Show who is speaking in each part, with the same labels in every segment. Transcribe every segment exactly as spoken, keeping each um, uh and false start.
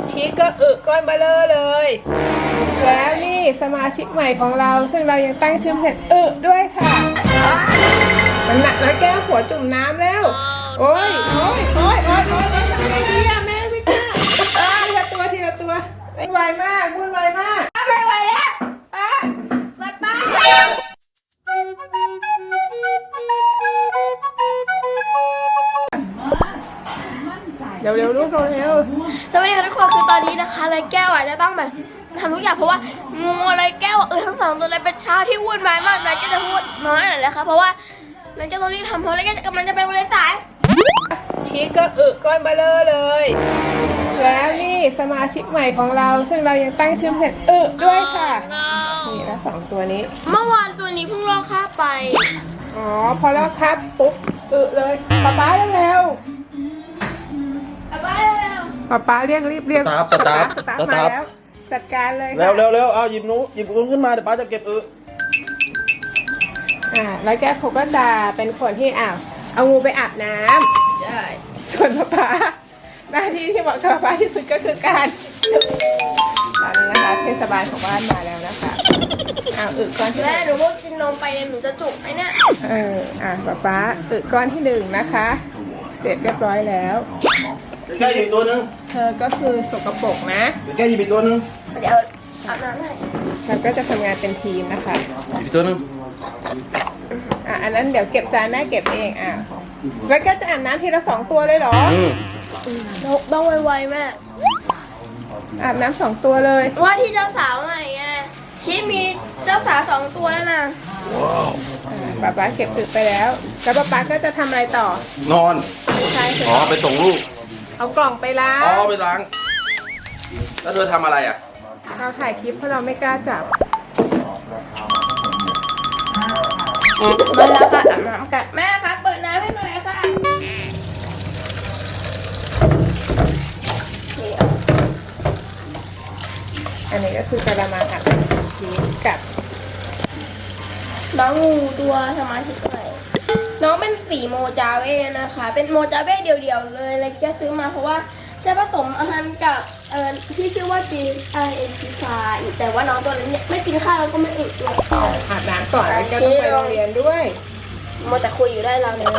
Speaker 1: ชีสก็อึก้อนเบลอเลยแล้วนี่สมาชิกใหม่ของเราซึ่งเรายังตั้งชื่อเห็ดอึด้วยค่ะมันหนักแล้วแก้วหัวจุ่มน้ำแล้วโอ้ยโอ้ยโอ้ยโอ้ยโอ้ยทำไงดีอะแม่ไม่กล้าทีละตัวทีละตัววุ่นวายมากวุ่นวายมาก
Speaker 2: ไม่ไหวแล้วป้าป้าป้า
Speaker 1: เร็วเร็วลูกเร็ว
Speaker 2: สวัสดีค่ะทุกคนคือตอนนี้นะคะไรแก้วอ่ะจะต้องแบบทำทุกอย่างเพราะว่างูไรแก้วเออทั้งสองตัวเลยเป็นเช้าที่วุ่นวายมากไรแก้วจะพูดน้อยหน่อยนะคะเพราะว่าไรแก้วต้องรีบทำเพราะไรแก้วกำลังจะไปโรงเรียนสาย
Speaker 1: ชีสก็อึก้อนเบลอเลยแล้วนี่สมาชิกใหม่ของเราซึ่งเรายังตั้งชื่อเห็ดอึด้วยค่ะนี่แล้วสองตัวนี้
Speaker 2: เมื่อวานตัวนี้เพิ่งลอกคราบไป
Speaker 1: อ๋อพอแล้วครับปุ๊บอึเลยป๊าป๊าเร็วป๊าป๊าเรียกรีบเรียก
Speaker 3: สตาฟสตาฟ
Speaker 1: สตาฟ
Speaker 3: ส
Speaker 1: มา
Speaker 3: ตาฟ
Speaker 1: แล้วจัดการเลย
Speaker 3: เร็วเร็วเร็วเอาหยิบหนูหยิบกุ้งขึ้นมาเดี๋ยวป้าจะเก็บอึ
Speaker 1: อ่าแล้วแกเขาก็จะเป็นคนที่อ้าวเอางูไปอาบน้ำใช่ส่วนป๊าป๊าหน้าที่ที่เหมาะกับป๊าป๊าที่สุดก็คือการตอนนี้นะคะเทศบาลของบ้านมาแล้วนะคะอ้าวอึก้อนที่
Speaker 2: แม่หนูว่ากินนมไปเนี่ยหนูจะจุกไอ้เนี่ย
Speaker 1: เอออ่ะป๊าป๊าอึก้อนที่หนึ่งนะคะเสร็จเรียบร้อยแล้ว
Speaker 3: แก้หยิบตัวนึง
Speaker 1: เธอก็คือสกปรกนะ
Speaker 3: แก้หยิบตัวนึง
Speaker 2: เดี๋ยวอาบน้ำให้
Speaker 1: เราก็จะทำงานเป็นทีมนะคะ
Speaker 3: หยิบตัวนึง
Speaker 1: อ่ะอันนั้นเดี๋ยวเก็บจานแม่เก็บเองอ่ะแล้วก็จะอาบน้ำทีละสองตัวเลยเหรอ
Speaker 2: ต้องไวๆแม่
Speaker 1: อาบน้ำสองตัวเลย
Speaker 2: ว่าที่เจ้าสาวใหม่ไงชีสมีเจ้าสาวสองตัวแล้วนะ
Speaker 1: ป๊าป๊าเก็บตึกไปแล้วแล้วป๊าป๊าก็จะทำอะไรต่อน
Speaker 3: อน
Speaker 1: ใช่
Speaker 3: อ๋อไปส่งลูก
Speaker 1: เอากล่องไปล้าง
Speaker 3: อ๋อไปล้างแล้วเธอทำอะไรอ่ะ
Speaker 1: เราถ่ายคลิปเพราะเราไม่กล้าจับ
Speaker 2: มาแล้วค่ะอาบน้ำกันแม่คะเปิดน้ำให้หน่อยค่ะ
Speaker 1: อันนี้ก็คือกระมังอัดชีสกับ
Speaker 2: น้องงูตัวสมาชิกใหม่น้องเป็นสีโมจาเว่นะคะเป็นโมจาเว่เดี่ยวๆเลยเลยแกซื้อมาเพราะว่าจะผสมอาหารกับเอ่อที่ชื่อว่าจีไอเอ็นซีฟาอีกแต่ว่าน้องตัวนี้ไม่กินข้าวแล้วก็ไม่อึด้วย
Speaker 1: อาบน้ำก่อนแล้วก็ต้องไปโรงเรียนด้วย
Speaker 2: โมแต่คุยอยู่ได้เราเนี่ย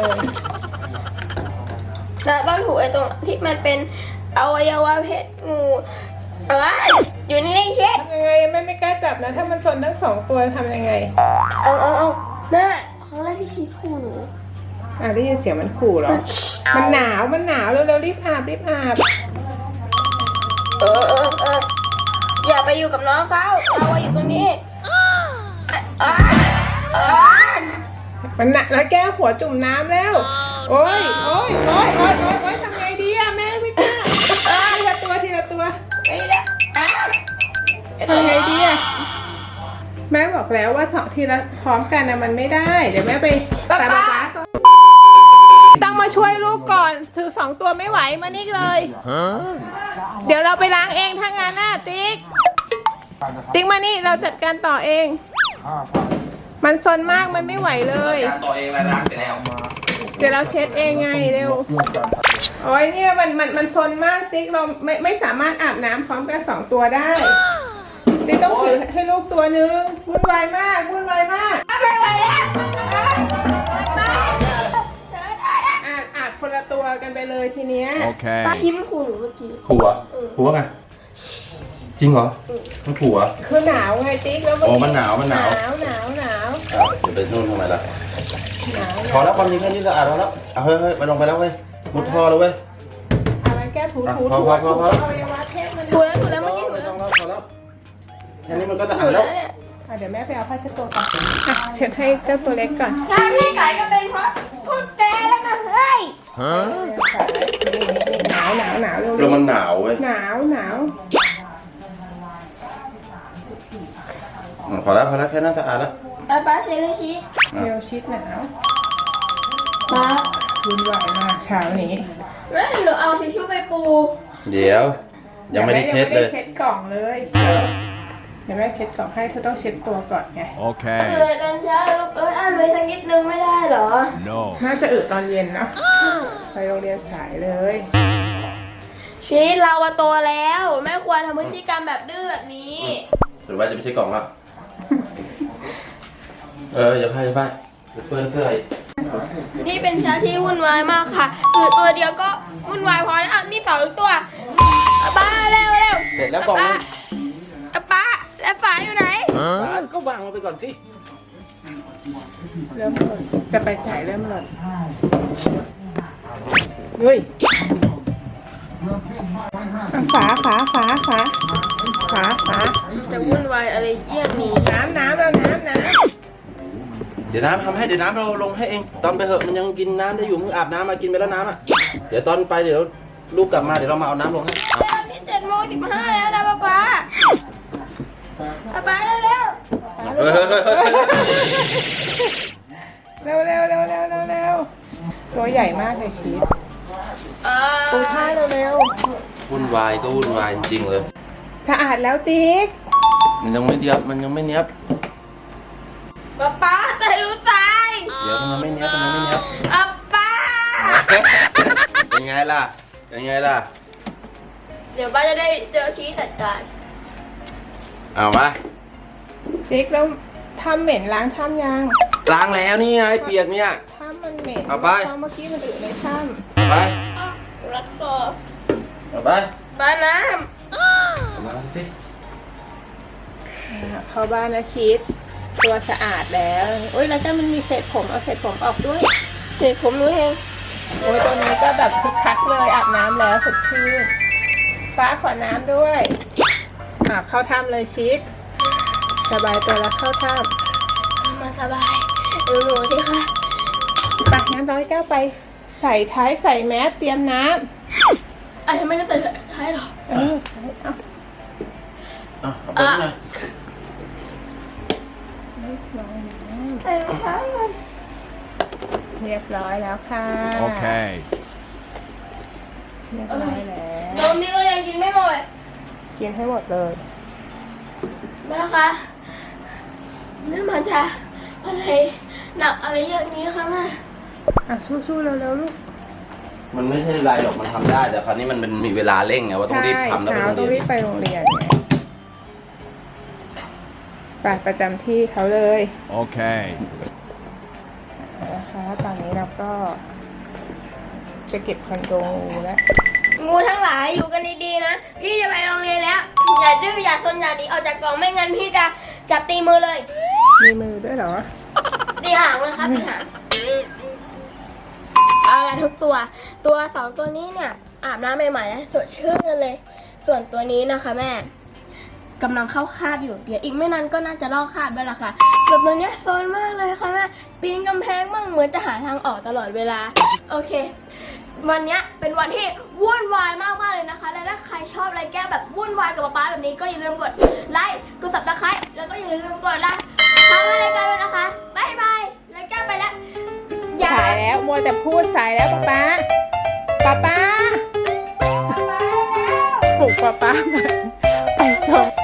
Speaker 2: แล้วต้องถูไอ้ตรงที่มันเป็นอวัยวะเพศงูอะไรอยู่นี่เช็ด
Speaker 1: ทำยังไงแม่ไม่กล้าจับนะถ้ามันซนทั้งสองตัวทำยังไง
Speaker 2: เอาเอาเอาแม่ครั้งแรกที่ชีคู่หนู
Speaker 1: อ่ะได้ยินเสียงมันขู่เหรอมันหนาวมันหนาวเร็วๆรีบอาบรีบอาบ
Speaker 2: เออเออเอออย่าไปอยู่กับน้องเขาเราอยู่ตรงนี้
Speaker 1: มันหนักแล้วแก้วหัวจุ่มน้ำแล้วโอ้ยโอ้ยโอ้ยโอ้ยโอ้ยโอ้ยทำไงดีอะแม่ไม่กล้าทีละตัวทีละตัวทำไงดีอะแม่บอกแล้วว่าถอดทีละพร้อมกันนะมันไม่ได้เดี๋ยวแม่ไปตามป๊าป๊าต้องมาช่วยลูกก่อนถือสองตัวไม่ไหวมานี่เลยเดี๋ยวเราไปล้างเองถ้างานหน้าติ๊กติ๊กมานี่เราจัดการต่อเองมันซนมากมันไม่ไหวเลย
Speaker 3: ต่อเองแล้วล้างเสร็จแล้ว
Speaker 1: เดี๋ยวเราเช็ดเองไงเร็วโอ้ยเนี่ยมันมันมันซนมากติ๊กเราไม่ไม่สามารถอาบน้ำพร้อมกันสองตัวได้ติ๊กต้องถือให้ลูกตัวนึงวุ่นวายมากวุ่นวายมาก
Speaker 2: ไม่ไหวแล้ว
Speaker 1: อาบอาบคนละตัวกันไปเลยทีเนี้ย
Speaker 3: โอเค
Speaker 2: ตาชิมขู่หนูเมื่อกี้
Speaker 3: ขู่อ่ะขู่ว่าไงจริงเหรอมันขู่อ่ะ
Speaker 1: คือหนาวไงติ๊กแล้ว
Speaker 3: โอ้มันหนาวมันหนาว
Speaker 1: หนาวหนาวหนาว
Speaker 3: เดี๋ยวไปนู่นทำไมล่ะพอแล้วความจริงแค่นี้สะอาดแล้วเอาเฮ้ยเฮ้ยไปลงไปแล้วเว้ยมุดท่อแล้วเว้ย
Speaker 1: อะไรแก้ถูถูถู
Speaker 3: พอพอพอพอแล้ว
Speaker 2: ถูแล้วถูแล้วเมื่อกี้ถูแล้ว
Speaker 3: พอแล้วแค่นี้มันก็สะอาดแล้ว
Speaker 1: เดี๋ยวแม่ไปเอาผ้าเช็ดตัวก่อนเช็ดให้เจ้าตัวเล็กก่อน
Speaker 2: ถ้าพี่ไก่ก็เป็นเพราะพูดแกแล้วนะเฮ้ย
Speaker 1: หนาวหนาวหนาวเร็ว
Speaker 3: แล้วมันหนาวเว้ย
Speaker 1: หนาวหนาว
Speaker 3: พอแล้วพอแล้วแค่นั้นสะอาดแล้ว
Speaker 2: ป้าป้าเช็ดเลยชีส
Speaker 1: เร็วชีสหนาว
Speaker 2: ป้า
Speaker 1: วุ่นวายมากเช้านี้
Speaker 2: แม่หนูเอาทิชชู่ไปปู
Speaker 3: เดี๋ยวยังไม่ได้เช็ดเลย
Speaker 1: เช็ดกล่องเลยเดี๋ยวแม่เช็ดกล่องให้เธอต้องเช็ดตัวก่อนไง
Speaker 3: โอเค
Speaker 2: เออตอนเช้าลูกเอออ่านไว้สักนิดนึงไม่ได้เหรอ
Speaker 3: no
Speaker 1: น่าจะอึตอนเย็นเนาะไปโรงเรียนสายเลย
Speaker 2: ชีสเราโตแล้วแม่ธีการแบบดื้อแบบนี้
Speaker 3: หรือว่าจะไม่ใช่กล่องแล้วเอออย่าพลาดอย่าพลาดเดี๋ยวเปื้อนเสื้ออีก
Speaker 2: นี่เป็นช้างที่วุ่นวายมากค่ะคือตัวเดียวก็วุ่นวายพอแล้วอ่ะนี่สองตัวป้าเร็วเร็ว
Speaker 3: เสร็จแล้วกล่องนึง
Speaker 2: ป้าแล้วฝาอยู่ไหน
Speaker 3: ก็วางลงไปก่อนสิ
Speaker 1: เริ่มหล่นจะไปใส่เริ่มหล่นเฮ้ยเอาฝาฝาฝาฝาฝาฝา
Speaker 2: จะวุ่นวายอะไรเยี่ยงนี้
Speaker 1: น้ำน้ำแล้วน้ำน้
Speaker 3: เดี๋ยวน้ำทำให้เดี๋ยวน้ำเราลงให้เองตอนไปเหอะมันยังกินน้ำได้อยู่มึงอาบน้ำมากินไปแล้วน้ำอ่ะเดี๋ยวตอนไปเดี๋ยวลูกกลับมาเดี๋ยวเรามาเอาน้ำลงให้เอา
Speaker 2: แล้วนี่เจ็ดโมงสิบห้าแล้วนะป้าป้าป้าป้าได้แล้ว
Speaker 3: เฮ้ยเฮ้ยเฮ้ยเฮ้ย
Speaker 1: ำเร็วเร็วเร็วเร็วเร็วเร็วตัวใหญ่มากเลยชีสปูท่าเร็วเร็ว
Speaker 3: วุ่นวายก็วุ่นวายจริงๆเลย
Speaker 1: สะอาดแล้วติ๊ก
Speaker 3: มันยังไม่เนียบมันยังไม่เนียบ
Speaker 2: ป้าป้าแต่รู้ใจ
Speaker 3: เดี๋ยวมันยังไม่เนี้ยบมันยังไม่เนี้ยบ
Speaker 2: ป้าป้า
Speaker 3: เป็นไงล่ะ เป็นไงล่ะ
Speaker 2: เดี๋ยวป้าจะได้เจอชี้จัดการ
Speaker 3: เอามา
Speaker 1: ติ๊กแล้วทำเหม็นล้างถ้ำยัง
Speaker 3: ล้างแล้วนี่ไงเปียกเนี่ย
Speaker 1: ถ้ำมันเหม็น
Speaker 3: เอาไป
Speaker 1: เพราะเมื่อกี้มันอยู่ในถ้
Speaker 3: เอาไป
Speaker 2: รัดคอ
Speaker 3: เอาไป
Speaker 2: ป้าน้
Speaker 3: เอามาสิ
Speaker 1: ำเข้าบ้านนะชีสตัวสะอาดแล้วโอ้ยแล้วก็มันมีเศษผมเอาเศษผมออกด้วย
Speaker 2: ำเดี๋ยวผมรู้เอง
Speaker 1: โอ้ยตัวนี้ก็แบบคึกคักเลยอาบน้ำแล้วสดชื่นฟ้าขอน้ำด้วยอ่าเข้าถ้ำเลยชีสสบายตัวแล้วเข้าถ้
Speaker 2: มาสบายดูหนูสิคะ
Speaker 1: ำไปงั้นร้อยแก้วไปใส่ท้ายใส่แมสเตรียมน้
Speaker 2: ไอ้ไม่ได้ใส่ท้ายหรอ
Speaker 1: ำเออเอา
Speaker 3: เอาเอาไปหน่อย
Speaker 2: ใส่รองเท้าก่อน
Speaker 1: เรียบร้อยแล้วค่ะ
Speaker 4: Okay.
Speaker 1: เรียบร้อยแล้ว
Speaker 2: นมนี่ก็ยังกินไม่หมด
Speaker 1: กินให้หมดเลย
Speaker 2: แม่คะนี่มันจะอะไรหนักอะไรอย่างนี้คะแม่
Speaker 1: อ่ะสู้ๆเร็วๆลูก
Speaker 3: มันไม่ใช่ไรหรอกมันทำได้แต่คราวนี้มันเป็นมีเวลาเร่งไงว่าต้องรีบทำแล้วไป
Speaker 1: เช้า
Speaker 3: โรง
Speaker 1: ต้อง
Speaker 3: เรี
Speaker 1: รี
Speaker 3: ยน
Speaker 1: บไปโรงเรียนไงไปประจำที่เขาเลย
Speaker 4: Okay.
Speaker 1: นะคะตอนนี้เราก็จะเก็บคอนโดงูแล้ว
Speaker 2: งูทั้งหลายอยู่กันดีๆนะพี่จะไปโรงเรียนแล้ว อย่าดื้ออย่าซนอย่าหนีออกจากกล่องไม่งั้นพี่จะจับตีมือเลย
Speaker 1: มีมือด้วยเหรอ
Speaker 2: ตีหางเลยครับตีหางเอาละทุกตัว ตัวสองตัวนี้เนี่ยอาบน้ำใหม่ๆแล้วสดชื่นกันเลย ส่วนตัวนี้นะคะแม่กำลังเข้าคาบอยู่เดี๋ยวอีกไม่นานก็น่าจะลอกคาบด้วยล่ะค่ะแบบตัวเนี้ยโซนมากเลยค่ะแม่ปีนกำแพงบ้างเหมือนจะหาทางออกตลอดเวลาโอเค วันเนี้ยเป็นวันที่วุ่นวายมากๆเลยนะคะและถ้าใครชอบอะไรแก้วแบบวุ่นวายกับป๊าๆแบบนี้ก็อย่าลืมกดไลค์กดซับสไครต์แล้วก็อย่าลืมกดละทางรายการด้วยนะคะบ๊ายบายแล้วแก้วไปแล้วอย่า
Speaker 1: สายแล้วมัวแต่พูดสายแล้วป๊าป๊าป๊าป๊า
Speaker 2: บ๊ายบายแล้ว
Speaker 1: ปลุกป๊าป๊ามาไปส่ง